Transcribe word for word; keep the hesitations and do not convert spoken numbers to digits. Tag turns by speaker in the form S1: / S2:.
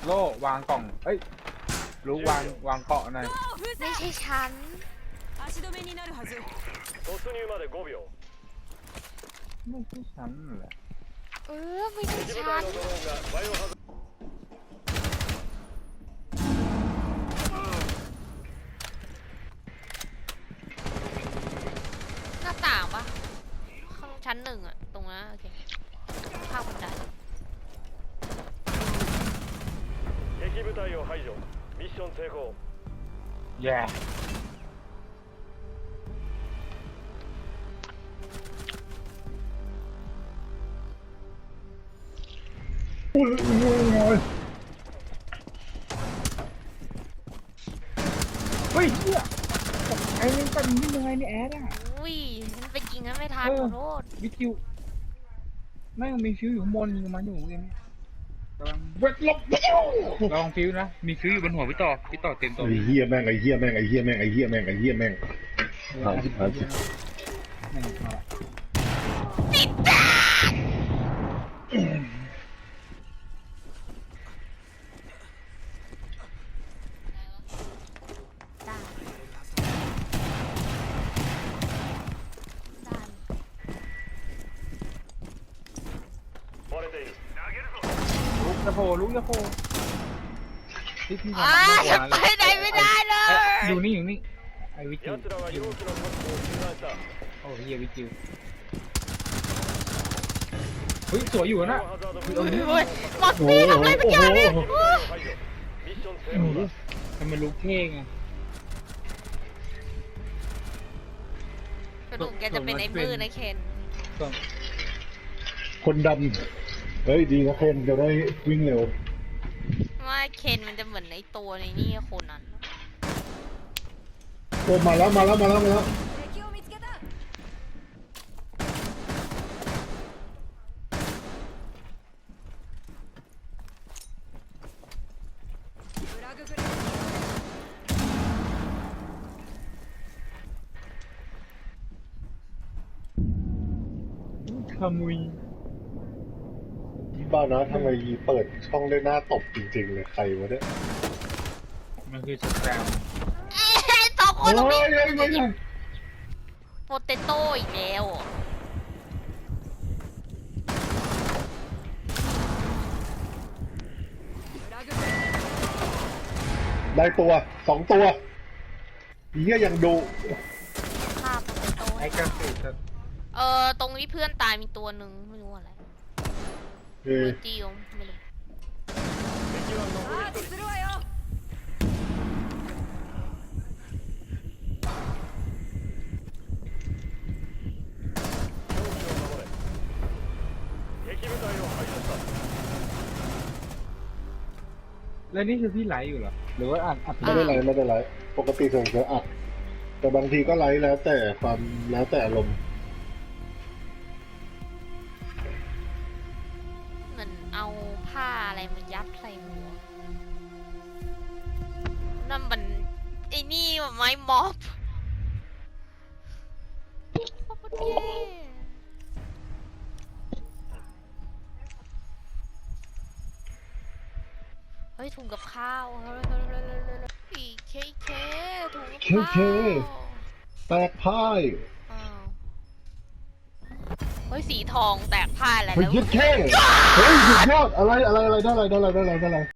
S1: โล่วางกล่องเอ้ยรู้วางวางเกาะหน่อย
S2: ไม่ใช่ฉัน
S3: 足止めになるはず
S4: 突入までごびょう
S1: ไม่ใช่ฉันแหละ
S2: เออไม่ใช่
S4: 敵部
S2: ฉัน
S4: 隊のドローンがバイオハザード
S2: หน้าต่างปะข้างชั้นหนึ่งอะตรงนั้นโอเคข้างบันได
S4: 敵部隊を排除ミッション成功
S1: แย่โอ้ยโอ้ยโอ้ยเฮ้ยเหี้ยไอ้นี่เป็นยังไงนี่แอดอ่ะ
S2: อุ้ยมันไปยิงกันไม่ทันขอโทษ
S1: วิคิวแม่งมีฟิวอยู่ข้างบนยิงมันอยู่เองกำลังเวทลบลองฟิวนะมีฟิวอยู่บนหัวพี่ต่อพี่ต่อเต็มตัว
S5: ไอ้เหี้ยแม่งไอ้เหี้ยแม่งไอ้เหี้ยแม่งไอ้เหี้ยแม่งไอ้เหี้ยแม่งหาสิหาสิ
S1: แม่งมา
S2: ติดตาได้ได้
S4: 割れている
S1: ลุกจะโผล่ลุกจะโผล่ที่พี่
S2: อ่าฉันไปไหนไม่ได้เลย
S1: อยู่นี่อยู่นี่ไอ้วิคิว
S4: 奴らは容器の確保を中断した
S1: โอ้เฮียวิคิวเฮ้ยสวยอยู่นะ
S4: バイオハザード
S2: โอ้
S4: 分
S2: ย
S4: 析
S2: โอ้ยหมดนี่ทำอะไรสักอย่างเนี่ย
S4: 敵部隊を排除ミッション成功だ
S1: ทำไมลุกเท่ไง
S2: กระดูกแกจะเป็นไอ้มือนะเคน
S1: ส่วน
S5: คนดำเฮ้ยดีนะเคนจะได้วิ่งเร็ว
S2: ว่าเคนมันจะเหมือนไอ้ตัวในนี่คนนั้น
S5: โอ้มาแล้วมาแล้วมาแล้วมาแล้ว
S3: 敵を見つけたフラググレー
S1: ขมุย
S5: ที่บ้านนะทำไมเปิดช่องได้หน้าตบจริงๆเลยใครวะเนี่ย
S1: มันคือสแกม
S2: เอ้ยสองค
S5: โอ้
S2: นตรงนี้
S5: ยไม่ใช่
S2: โปเตโต้อีกแล้ว
S3: フラググレー
S5: ได้ตัวสองตัวเหี้ยยังดู
S2: ฆ่าโปเตโต้
S1: ไอ้กระสือจะ
S2: เออตรงนี้เพื่อนตายมีตัวหนึ่งไม่รู้อะไร
S5: เฮ้ย
S2: เออจิวไม่รู้
S4: 敵は残
S3: アーチ
S4: り
S3: するわよ
S4: 容器を守れ敵部隊を排除した
S1: แล้วนี่คือพี่ไลฟ์อยู่เหรอหรือว่าอัดอัด
S5: ไม่ได้ไลฟ์ไม่ได้ไลฟ์ปกติส่วนจะอัดแต่บางทีก็ไลฟ์แล้วแต่ความแล้วแต่อารมณ์
S2: เหมือนเอาผ้าอะไรมายัดใส่หัวนั่นมันไอ้นี่ไม้ม็อบโคตรเท่เฮ้ยถุงกับข้าวอีเคเคถุงกับ
S5: เค
S2: ข้าว
S5: เคแตกพ่าย
S2: อ้าวเฮ้ยสีทองแตกพ่ายอะไร
S5: เฮ้ย
S2: แล้ว
S5: ยึดแค่เฮ้ยสุดยอดอะไรอะไรอะไรได้อะไรได้อะไรได้อะไรได้อะไร